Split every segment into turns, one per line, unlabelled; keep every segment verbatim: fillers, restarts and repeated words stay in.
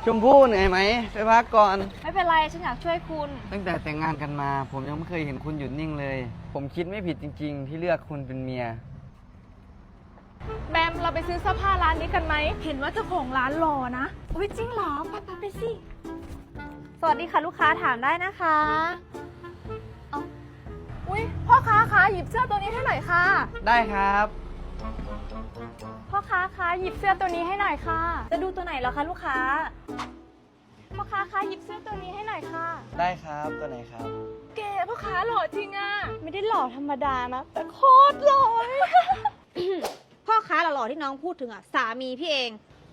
ชมพู่เหนื่อยไหมไปพักก่อน
ไม่เป็นไรฉันอยากช่วยคุณ
ตั้งแต่แต่งงานกันมาผมยังไม่เคยเห็นคุณหยุดนิ่งเลย ผมคิดไม่ผิดจริงๆที่เลือกคุณเป็นเมีย
แบมเราไปซื้อเสื้อผ้าร้านนี้กันไหมเห็นว่าเจ้าของร้านหล่อนะอุ้ยจริงเหรอไปไปไปสิสวัสดีค่ะลูกค้าถามได้นะคะเอาอุ้ยพ่อค้าคะหยิบเสื้อตัวนี้ให้หน่อยค่ะ
ได้ครับ
พ่อค้าคะหยิบเสื้อตัวนี้ให้หน่อยค่ะจะดูตัวไหนเหรอคะลูกค้าพ่อค้าคะหยิบเสื้อตัวนี้ให้หน่อยค่ะ
ได้ครับตัวไหนครับ
เก๋พ่อค้าหล่อจริงอะไม่ได้หล่อธรรมดานะแต่โคตรหล่อ
พ่อค้าหล่อๆที่น้องพูดถึงอ่ะสามีพี่เอง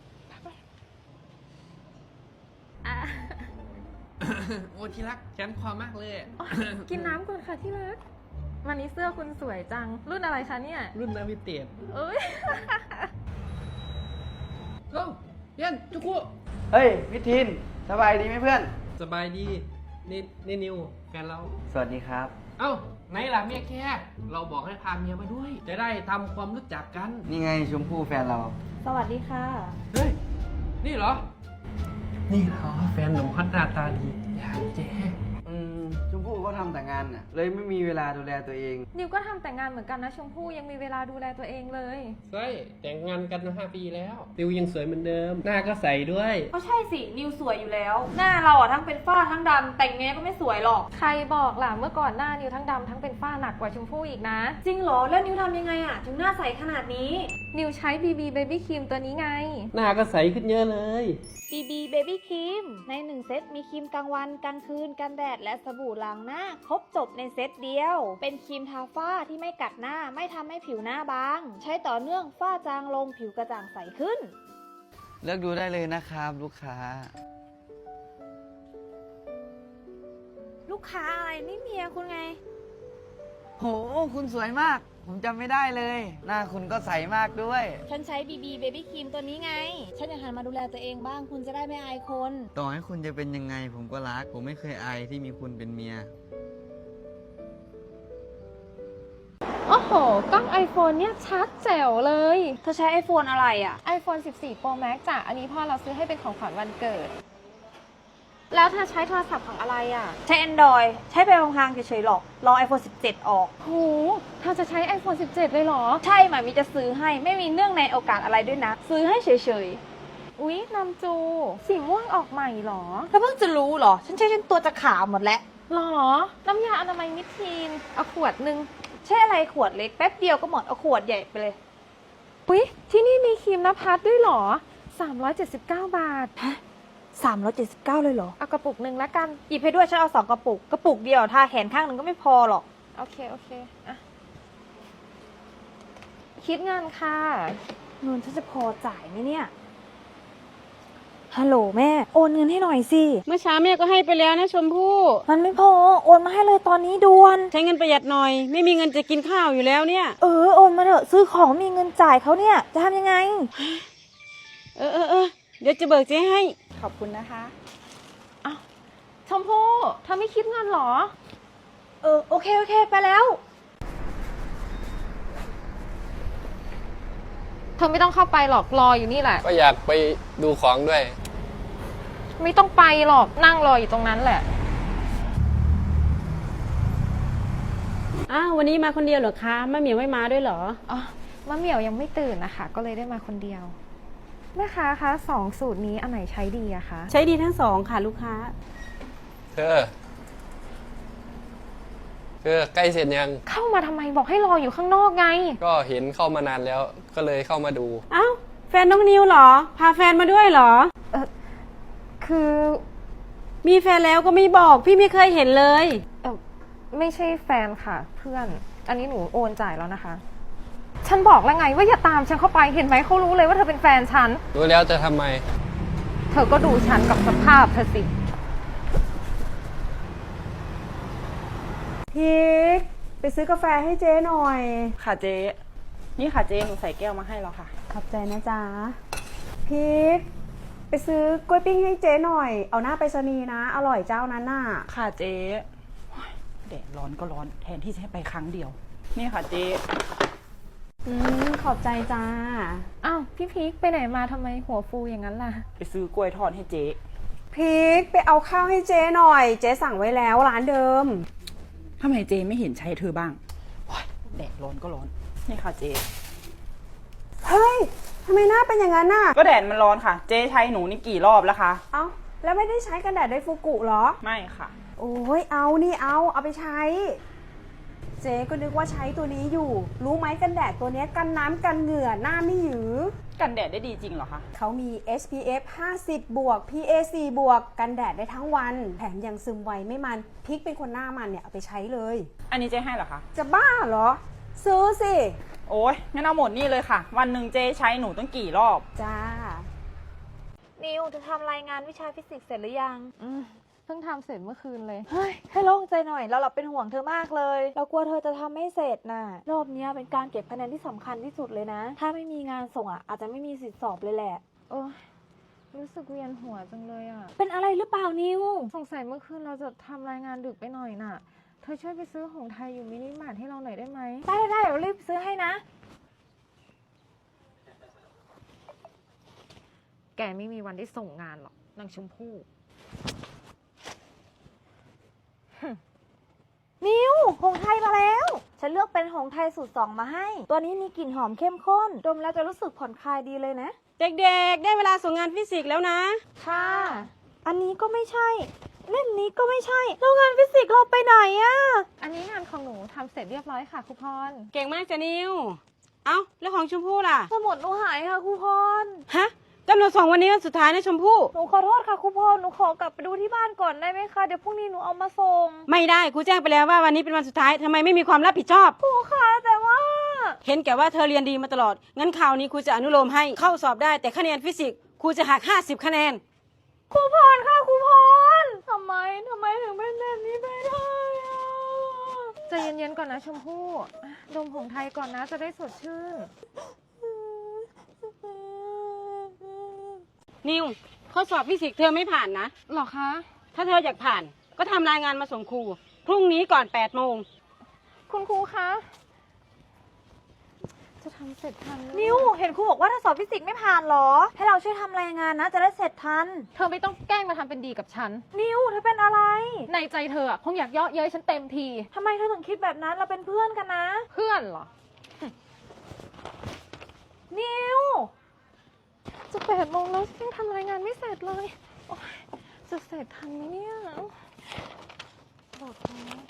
โอ้ที่รักฉันคอมากเลย
กินน้ำก่อนค่ะที่รักวันนี้เสื้อคุณสวยจังรุ่นอะไรคะเนี่ย
รุ่นนาวิเตด
เอ้ย
เอ้าเพื่อนจุกุ
เฮ้ยวิทินสบายดีไหมเพื่อน
สบายดีนี่นี่นิวแฟนเรา
สวัสดีครับ
เอ้าไหนล่ะเมียแค่เราบอกให้พาเมียมาด้วย จะได้ทำความรู้จักกัน
นี่ไงชมพู่แฟนเรา
สวัสดีค่ะ
เฮ้ยนี่เหรอนี่เหรอแฟนหนุ่มฮอตหน้าตาดีอย่างเจ๊
อืมชมพู่ก็ทำแต่งานน่ะเลยไม่มีเวลาดูแลตัวเอง
นิวก็ทำแต่งานเหมือนกันนะชมพู่ยังมีเวลาดูแลตัวเองเลย
ใช่แต่งงานกันมาห้าปีแล้วติวยังสวยเหมือนเดิมหน้าก็ใสด้วย
ก็ใช่สินิวสวยอยู่แล้วหน้าเราอ่ะทั้งเป็นฝ้าทั้งดำแต่งไงก็ไม่สวยหรอกใครบอกล่ะเมื่อก่อนหน้านิวทั้งดำทั้งเป็นฝ้าหนักกว่าชมพู่อีกนะ
จริงเหรอแล้วนิวทำยังไงอ่ะถึงหน้าใสขนาดนี้
นิวใช้ บี บี Baby Cream ตัวนี้ไง
หน้าก็ใสขึ้นเยอะเลย
บี บี Baby Cream ในหนึ่งเซตมีครีมกลางวันกลางคืนกันแดดและสบู่ล้างหน้าครบจบในเซตเดียวเป็นครีมทาฝ้าที่ไม่กัดหน้าไม่ทำให้ผิวหน้าบางใช้ต่อเนื่องฝ้าจางลงผิวกระจ่างใสขึ้น
เลือกดูได้เลยนะครับลูกค้า
ลูกค้าอะไรนี่เมียคุณไง
โหคุณสวยมากผมจำไม่ได้เลยหน้าคุณก็ใสมากด้วย
ฉันใช้ บี บี Baby Cream ตัวนี้ไงฉันอยากหันมาดูแลตัวเองบ้างคุณจะได้ไม่อายคน
ต่อให้คุณจะเป็นยังไงผมก็รักผมไม่เคยอายที่มีคุณเป็นเมีย
โอ้โหกล้อง iPhone เนี่ยชัดแจ๋วเลย
เธอใช้ iPhone อะไรอ่ะ
iPhone สิบสี่ Pro Max จ้ะอันนี้พ่อเราซื้อให้เป็นของขวัญวันเกิดแล้วเธอใช้โทรศัพท์ของอะไรอ่ะ
ใช้ Android ใช้ไปพลางๆเฉยๆหรอกรอ iPhone สิบเจ็ด ออก
โหเธอจะใช้ iPhone สิบเจ็ด เลยเหรอ
ใช่หมายมีจะซื้อให้ไม่มีเนื่องในโอกาสอะไรด้วยนะซื้อให้เฉย
ๆอุ๊ยนำจูสีม่วงออกใหม่หรอ
แล้วเพิ่งจะรู้หรอฉันใช้จนตัวจะขาวหมดแล้ว
หรอน้ำยาอนามัยมิทีนเอาขวดนึง
ใช่อะไรขวดเล็กแป๊บเดียวก็หมดเอาขวดใหญ่ไปเลย
อุ๊ยที่นี่มีครีมนภัสด้วยหรอสามร้อยเจ็ดสิบเก้าบาท
ฮะสามร้อยเจ็ดสิบเก้าเลยเหรอ
เอากระปุกหนึ่งแล้วกัน
หยิบให้ด้วยฉันเอาสองกระปุกกระปุกเดียวทาแขนข้างหนึ่งก็ไม่พอหรอก
โอเคโอเคอ่ะคิดเงินค่ะ
เงินฉันจะพอจ่ายไหมเนี่ยฮัลโหลแม่โอนเงินให้หน่อยสิ
เมื่อเช้าแม่ก็ให้ไปแล้วนะชมพู่
มันไม่พอโอนมาให้เลยตอนนี้ด่วน
ใช้เงินประหยัดหน่อยไม่มีเงินจะกินข้าวอยู่แล้วเนี่ย
เออโอนมาเถอะซื้อของมีเงินจ่ายเขาเนี่ยจะทำยังไง
เออเออเออเดี๋ยวจะเบิกเจ๊ให้
ขอบคุณนะคะอ้าวชมพู่เธอไม่คิดเงินหรอ
เออโอเคโอเคไปแล้ว
เธอไม่ต้องเข้าไปหรอกรออยู่นี่แหละ
ก็อยากไปดูของด้วย
ไม่ต้องไปหรอกนั่งรออยู่ตรงนั้นแหละ
อ้าววันนี้มาคนเดียวเหรอคะมะเหมียวไม่มาด้วยเหรอ
อ๋อมะเหมียวยังไม่ตื่นนะคะก็เลยได้มาคนเดียวแม่ค้าคะสองสูตรนี้อันไหนใช้ดีอะคะ
ใช้ดีทั้งสองค่ะลูกค้า
เธอเธอใกล้เสร็จยัง
เข้ามาทำไมบอกให้รออยู่ข้างนอกไง
ก็เห็นเข้ามานานแล้วก็เลยเข้ามาดู
อ้าวแฟนน้องนิวเหรอพาแฟนมาด้วยเหรอ
เออคือ
มีแฟนแล้วก็ไม่บอกพี่ไม่เคยเห็นเลย
เออไม่ใช่แฟนค่ะเพื่อนอันนี้หนูโอนจ่ายแล้วนะคะฉันบอกแล้วไงว่าอย่าตามฉันเข้าไปเห็นไหมเขารู้เลยว่าเธอเป็นแฟนฉัน
รู้แล้วจะทำไม
เธอก็ดูฉันกับสภาพเธอสิ
พีกไปซื้อกาแฟให้เจ๊หน่อยค่ะเจ๊นี่ค่ะเจ๊หนูใส่แก้วมาให้แล้วค่ะขอบใจนะจ๊ะพีกไปซื้อกล้วยปิ้งให้เจ๊หน่อยเอาหน้าไปรษณีย์นะอร่อยเจ้านั้นน่ะค่ะเจ๊แดดร้อนก็ร้อนแทนที่จะให้ไปครั้งเดียวนี่ค่ะเจ๊อืมขอบใจจ้า
อ้าวพี่พีคไปไหนมาทำไมหัวฟูอย่างนั้นล่ะ
ไปซื้อกล้วยทอดให้เจ๊
พีคไปเอาข้าวให้เจ๊หน่อย เจ๊สั่งไว้แล้วร้านเดิม
ทำไมเจ๊ไม่เห็นใช้เธอบ้างโอ๊ยแดดร้อนก็ร้อน นี่ค่ะเจ๊
เฮ้ยทำไมหน้าเป็นอย่างนั้นน่ะ
ก็แดดมันร้อนค่ะ เจ๊ใช้หนูนี่กี่รอบแล้วคะ
เอ้าแล้วไม่ได้ใช้กันแดดไดฟูกุเหรอ
ไม่ค่ะ
โอ้ยเอานี่เอาเอาไปใช้ เจ๊ก็นึกว่าใช้ตัวนี้อยู่ รู้ไหมกันแดดตัวเนี้ยกันน้ำกันเหงื่อหน้าไม่หยือ
กันแดดได้ดีจริงเหรอคะ
เขามี เอส พี เอฟ ห้าสิบ บวก พี เอ สี่ บวก กันแดดได้ทั้งวัน แถมยังซึมไวไม่มันพิกเป็นคนหน้ามันเนี่ยเอาไปใช้เลย
อันนี้เจ๊ให้เหรอคะ
จะบ้าเหรอ ซื้อสิ
โอ๊ยงั้นเอาหมดนี่เลยค่ะ วันหนึ่งเจ๊ใช้หนูต้องกี่รอบ
จ้า
นิวเธอทำรายงานวิชาฟิสิกส์เสร็จหรือยัง
อืมเพิ่งทำเสร็จเมื่อคืนเลย
เฮ้ย ให้โล่งใจหน่อย เราเราเป็นห่วงเธอมากเลย เรากลัวเธอจะทำไม่เสร็จน่ะ รอบเนี้ยเป็นการเก็บคะแนนที่สำคัญที่สุดเลยนะ ถ้าไม่มีงานส่งอ่ะอาจจะไม่มีสิทธิ์สอบเลยแหละ
โอ้ยรู้สึกเวียนหัวจังเลยอ่ะ
เป็นอะไรหรือเปล่านิว
สงสัยเมื่อคืนเราจะทำรายงานดึกไปหน่อยน่ะ เธอช่วยไปซื้อของไทยอยู่มินิมาร์ทให้เราหน่อยได้ไหม
ได้ได้ได้เดี๋ยวรีบซื้อให้นะ
แกไม่มีวันได้ส่งงานหรอกนางชมพู่
นิวหงส์ไทยมาแล้ว ฉันเลือกเป็นหงส์ไทยสูตรสองมาให้ ตัวนี้มีกลิ่นหอมเข้มข้น ดมแล้วจะรู้สึกผ่อนคลายดีเลยนะ
เด็กๆ ได้เวลาส่งงานฟิสิกส์แล้วนะ
ค่ะ อันนี้ก็ไม่ใช่ เล่มนี้ก็ไม่ใช่ แล้วงานฟิสิกส์เราไปไหนอะ
อันนี้งานของหนูทำเสร็จเรียบร้อยค่ะครูพร
เก่งมากจ้ะนิว เอ้าแล้วของชมพู่ล่ะ
สมุดหนูหายค่ะครูพร
ฮะกำหนดส่งวันนี้วันสุดท้ายนะชมพู่
หนูขอโทษค่ะครูพร หนูขอกลับไปดูที่บ้านก่อนได้ไหมคะ เดี๋ยวพรุ่งนี้หนูเอามาส่ง
ไม่ได้ครูแจ้งไปแล้วว่าวันนี้เป็นวันสุดท้ายทำไมไม่มีความรับผิดชอบ
ครูคะแต่ว่า
เห็นแก่ว่าเธอเรียนดีมาตลอด งั้นคราวนี้ครูจะอนุโลมให้เข้าสอบได้แต่คะแนนฟิสิกส์ครูจะหักห้าสิบคะแนน
ครูพรค่ะครูพรทำไมทำไมถึงเป็นแบบนี้ไปได้อะ
ใจเย็นๆก่อนนะชมพู่อ่ะดมของไทยก่อนนะจะได้สดชื่น
นิวข้อสอบฟิสิกส์เธอไม่ผ่านนะ
หรอคะ
ถ้าเธออยากผ่านก็ทำรายงานมาส่งครูพรุ่งนี้ก่อนแปดโมง
คุณครูคะ จะทำเสร็จทันไหม
นิวเห็นครูบอกว่าถ้าสอบฟิสิกส์ไม่ผ่านเหรอ ให้เราช่วยทำรายงานนะ จะได้เสร็จทัน
เธอไม่ต้องแกล้งมาทำเป็นดีกับฉัน
นิวเธอเป็นอะไร
ในใจเธออะคงอยากเยาะเย้ยฉันเต็มที
ทำไมเธอถึงคิดแบบนั้นเราเป็นเพื่อนกันนะ
เพื่อนเหรอ
นิว
จะแปดโมงแล้วยังทำรายงานไม่เสร็จเลยโอ๊ยจะเสร็จทันไหมเนี่ยบอกแล้ว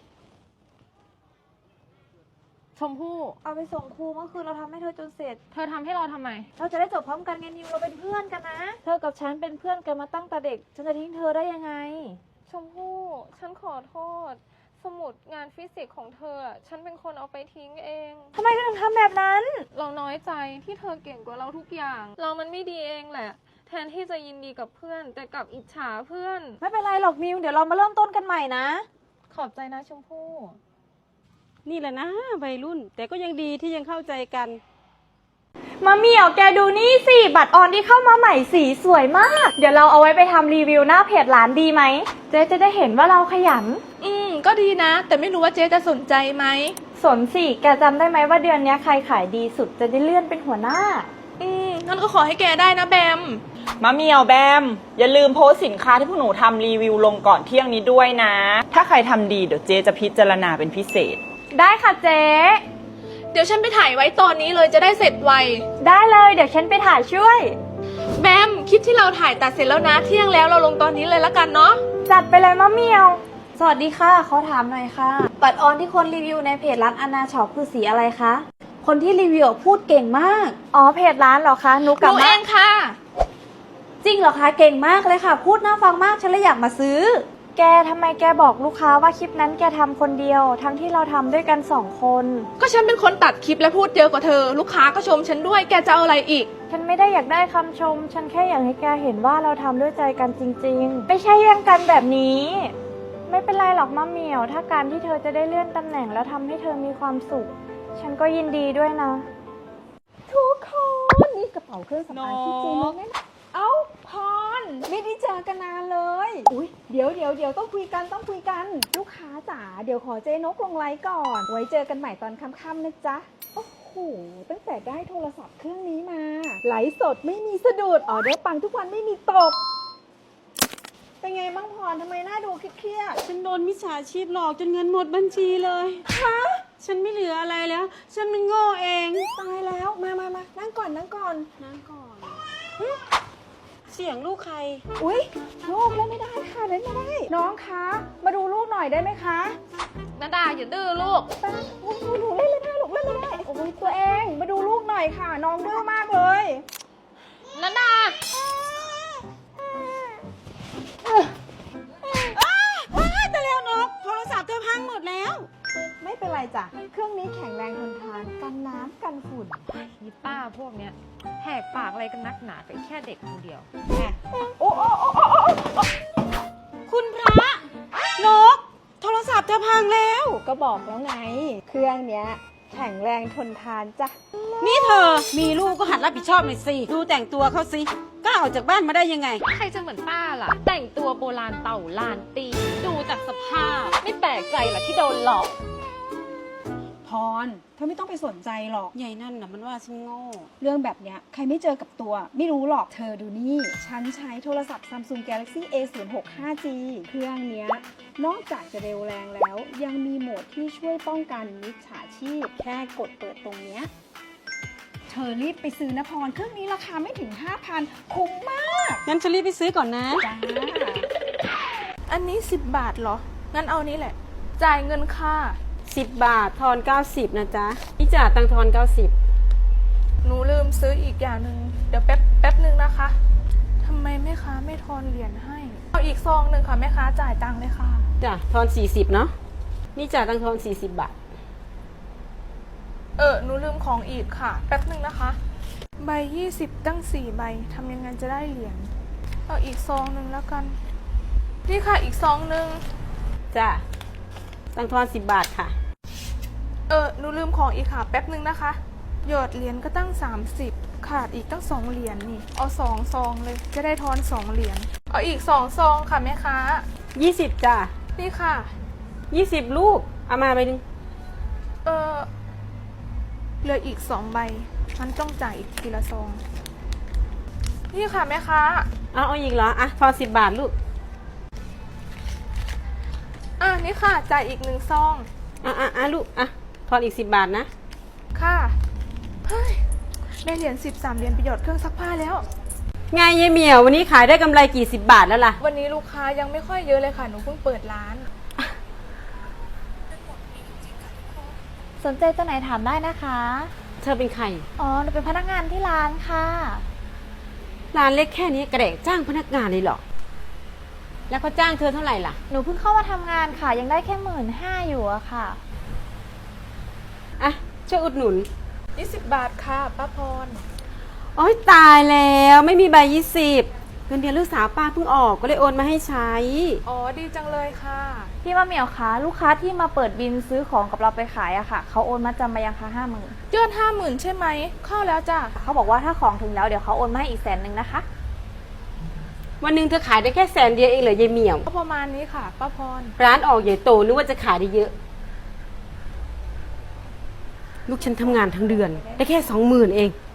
ชมพู่
เอาไปส่งครูเมื่อคืนเราทำให้เธอจนเสร็จ
เธอทำให้เราทำไม
เราจะได้จบพร้อมกันไงนิวเราเป็นเพื่อนกันนะ เธอกับฉันเป็นเพื่อนกันมาตั้งแต่เด็ก ฉันจะทิ้งเธอได้ยังไง
ชมพู่ ฉันขอโทษ สมุดงานฟิสิกส์ของเธออะฉันเป็นคนเอาไปทิ้งเอง
ทำไมเธอถึงทำแบบนั้น
เราน้อยใจที่เธอเก่งกว่าเราทุกอย่าง เรามันไม่ดีเองแหละ แทนที่จะยินดีกับเพื่อน แต่กลับอิจฉาเพื่อน
ไม่เป็นไรหรอกนิว เดี๋ยวเรามาเริ่มต้นกันใหม่นะ
ขอบใจนะชมพู่
นี่แหละนะวัยรุ่น แต่ก็ยังดีที่ยังเข้าใจกัน
มาเหมียวแกดูนี่สิ บัตรออนที่เข้ามาใหม่สีสวยมาก เดี๋ยวเราเอาไว้ไปทำรีวิวหน้าเพจร้านดีไหม เจ๊จะได้เห็นว่าเราขยัน
อืม ก็ดีนะ แต่ไม่รู้ว่าเจ๊จะสนใจไหม
สนสิ แกจำได้ไหมว่าเดือนนี้ใครขายดีสุดจะได้เลื่อนเป็นหัวหน้า
อืม งั้นก็ขอให้แกได้นะแบม
มะเหมียวแบม อย่าลืมโพสต์สินค้าที่พวกหนูทำรีวิวลงก่อนเที่ยงนี้ด้วยนะ ถ้าใครทำดีเดี๋ยวเจ๊จะพิจารณาเป็นพิเศษ
ได้ค่ะเจ๊
เดี๋ยวฉันไปถ่ายไว้ตอนนี้เลยจะได้เสร็จไว
ได้เลยเดี๋ยวฉันไปถ่ายช่วย
แบม คลิปที่เราถ่ายตัดเสร็จแล้วนะ เที่ยงแล้วเราลงตอนนี้เลยละกันเนาะ
จัดไปเลยมะเหมียว สวัสดีค่ะขอถามหน่อยค่ะ บัตรออนที่คนรีวิวในเพจร้านอนาช็อปคือสีอะไรคะ คนที่รีวิวพูดเก่งมาก อ๋อเพจร้านเหรอคะนุกกับ
หนูเองค่ะ
จริงเหรอคะเก่งมากเลยค่ะ พูดน่าฟังมากฉันเลยอยากมาซื้อ แกทำไมแกบอกลูกค้าว่าคลิปนั้นแกทำคนเดียว ทั้งที่เราทำด้วยกันสองคน
ก็ฉันเป็นคนตัดคลิปและพูดเยอะกว่าเธอ ลูกค้าก็ชมฉันด้วย แกจะเอาอะไรอีก
ฉันไม่ได้อยากได้คำชม ฉันแค่อยากให้แกเห็นว่าเราทำด้วยใจกันจริงๆ ไม่ใช่แย่งกันแบบนี้ ไม่เป็นไรหรอกมะเหมียว ถ้าการที่เธอจะได้เลื่อนตำแหน่งแล้วทำให้เธอมีความสุข ฉันก็ยินดีด้วยนะ ทุกคนนี่กระเป๋าเครื่องสำอางที่เจมแน่เอ้าพรไม่ได้เจอกันนานเลย อุ้ยเดี๋ยวเดี๋ยวเดี๋ยวต้องคุยกันต้องคุยกัน ลูกค้าจ๋าเดี๋ยวขอเจนกลงไลน์ก่อน ไว้เจอกันใหม่ตอนค่ำๆนะจ๊ะ โอ้โห
โหตั้งแต่ได้โทรศัพท์เครื่องนี้มาไหลฟ์สดไม่มีสะดุดออเดอร์ปังทุกวันไม่มีตก เป็นไงบ้างพรทำไมหน้าดูเครียด
ฉันโดนมิจฉาชีพหลอกจนเงินหมดบัญชีเลยฮะฉันไม่เหลืออะไรแล้ว ฉันมันโง่เอง
ๆตายแล้วมามามานั่งก่อนนั่งก่อน
นั่งก่อน เสียงลูกใคร
อุ๊ยลูกเล่นไม่ได้ค่ะเล่นไม่ได้ น้องคะมาดูลูกหน่อยได้ไหมคะ
นาดาอย่าดื้อลูก
แป๊บอุ๊ยหนูหนูเล่นไม่ได้ลูกเล่นไม่ได้โอ้ยตัวเองมาดูลูกหน่อยค่ะ น้องดื้อมากเลย
นาดา
ว้ายแต่แล้วนกโทรศัพท์เธอพังหมดแล้ว
ไม่เป็นไรจ้ะเครื่องนี้แข็งแรงทนทานกันน้ำกันฝุ่น
นี่ป้าพวกเนี้ยแหกปากอะไรกันนักหนาเป็นแค่เด็กคนเดียว
โอ้โอ้โอ้โอ้โอ้โอ้
คุณพระนก โทรศัพท์เธอพังแล้ว
ก็บอกแล้วไง เครื่องเนี้ยแข็งแรงทนทานจ้ะ
นี่เธอ มีลูกก็หัดรับผิดชอบหน่อยสิ ดูแต่งตัวเขาสิกล้าออกจากบ้านมาได้ยังไง
ใครจะเหมือนป้าล่ะ แต่งตัวโบราณเต่าลานตี ดูจากสภาพ ไม่แปลกใจหรอกที่โดนหลอก
พรเธอไม่ต้องไปสนใจหรอก
ใหญ่นั่นน่ะมันว่าฉันโง่
เรื่องแบบเนี้ยใครไม่เจอกับตัว ไม่รู้หรอกเธอดูนี่ ฉันใช้โทรศัพท์ Samsung Galaxy เอ ศูนย์ หก ห้า จี เครื่องเนี้ยนอกจากจะเร็วแรงแล้ว ยังมีโหมดที่ช่วยป้องกันมิจฉาชีพ แค่กดเปิดตรงเนี้ยเธอรีบไปซื้อนะพร เครื่องนี้ราคาไม่ถึง ห้าพัน คุ้มมาก
งั้นฉันรีบไปซื้อก่อนนะ
จ้า
อันนี้สิบบาทเหรอ งั้นเอานี้แหละ จ่ายเงินค่ะ
สิบบาททอนเก้าสิบนะจ๊ะนี่จ่าตังทอนเก้าสิบ
หนูลืมซื้ออีกอย่างหนึ่งเดี๋ยวแป๊บแป๊บหนึ่งนะคะทำไมแม่ค้าไม่ทอนเหรียญให้ เอาอีกซองหนึ่งค่ะแม่ค้าจ่ายตังค์เลยค่ะ
จ้ะทอนสี่สิบเนาะนี่จ่าตังทอนสี่สิบบาท
เออหนูลืมของอีกค่ะ แป๊บหนึ่งนะคะ ใบยี่สิบตั้งสี่ใบทำยังไงจะได้เหรียญเอาอีกซองหนึ่งแล้วกัน นี่ค่ะอีกซองหนึ่ง
จ้ะตังทอนสิบบาทค่ะ
เออหนูลืมของอีกค่ะ แป๊บหนึ่งนะคะหยอดเหรียญก็ตั้งสามสิบขาดอีกตั้งสองเหรียญนี่เอาสองซองเลยจะได้ทอนสองเหรียญเอาอีกสองซองค่ะแม่ค้า
ยี่สิบจ้ะ
นี่ค่ะ
ยี่สิบลูก เอามาไปหนึ่ง
เออเหลืออีกสองใบมันต้องจ่ายอีกทีละซองนี่ค่ะแม่ค้า
เอาเอาอีกเหรอ อ่ะ ทอนสิบบาทลูก
อ่ะนี่ค่ะจ่ายอีกหนึ่งซอง
อ่ะอ่ะอ่ะลูก อ่ะ ทอนอีกสิบบาทนะ
ค่ะเฮ้ยได้เหรียญสิบสามเหรียญประโยชน์เครื่องซักผ้าแล้ว
ไงยายเหมียววันนี้ขายได้กำไรกี่สิบบาทแล้วล่ะ
วันนี้ลูกค้ายังไม่ค่อยเยอะเลยค่ะหนูเพิ่งเปิดร้าน
สนใจตัวไหนถามได้นะคะ
เธอเป็นใคร
อ๋อหนูเป็นพนักงานที่ร้านค่ะ
ร้านเล็กแค่นี้กระเดกจ้างพนักงานเลยเหรอ แล้วเขาจ้างเธอเท่าไหร่ล่ะ
หนูเพิ่งเข้ามาทำงานค่ะ ยังได้แค่หมื่นห้าอยู่อะค่ะ
อ่ะ ช่วยอุดหนุน
ยี่สิบบาทค่ะป้าพร
โอ๊ยตายแล้วไม่มีใบยี่สิบเงินเดือนลูกสาวป้าเพิ่งออกก็เลยโอนมาให้ใช้
อ๋อดีจังเลยค่ะ
พี่มะเหมียวคะลูกค้าที่มาเปิดบินซื้อของกับเราไปขายอะค่ะ เขาโอนมาจำมายังคะห้าหมื่น
ยอดห้าหมื่นใช่ไหม เข้าแล้วจ้ะ
เขาบอกว่าถ้าของถึงแล้วเดี๋ยวเขาโอนมาให้อีกแสนหนึ่งนะคะ
วันหนึ่งเธอขายได้แค่แสนเดียวเองเหรอยายเหมียว
ก็ประมาณนี้ค่ะป้าพร
ร้านออกใหญ่โตนึกว่าจะขายได้เยอะ ลูกฉันทำงานทั้งเดือน ได้แค่สองหมื่นเอง